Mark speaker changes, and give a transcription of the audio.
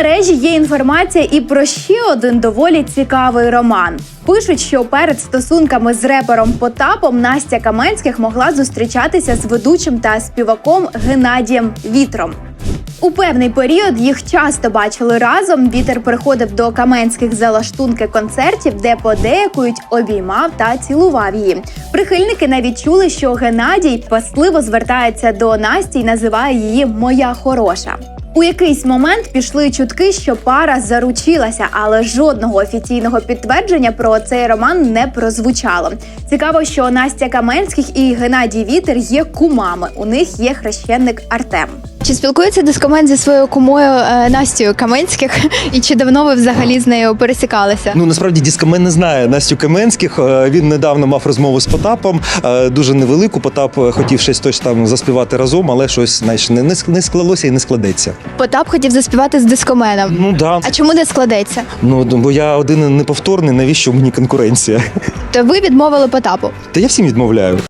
Speaker 1: мережі є інформація і про ще один доволі цікавий роман. Пишуть, що перед стосунками з репером Потапом Настя Каменських могла зустрічатися з ведучим та співаком Геннадієм Вітром. У певний період їх часто бачили разом. Вітер приходив до Каменських за лаштунки концертів, де подеякують обіймав та цілував її. Прихильники навіть чули, що Геннадій пасливо звертається до Насті і називає її «моя хороша». У якийсь момент пішли чутки, що пара заручилася, але жодного офіційного підтвердження про цей роман не прозвучало. Цікаво, що Настя Каменських і Геннадій Вітер є кумами. У них є хрещеник Артем.
Speaker 2: Чи спілкується дискомен зі своєю кумою Настю Каменських? І чи давно ви взагалі з нею пересікалися?
Speaker 3: Насправді Дискомен не знає Настю Каменських. Він недавно мав розмову з Потапом, дуже невелику. Потап хотів щось там заспівати разом, але щось, знаєш, не склалося і не складеться.
Speaker 2: Потап хотів заспівати з дискоменом.
Speaker 3: Да.
Speaker 2: А чому не складеться?
Speaker 3: Бо я один неповторний, навіщо мені конкуренція?
Speaker 2: То ви відмовили Потапу?
Speaker 3: Та я всім відмовляю.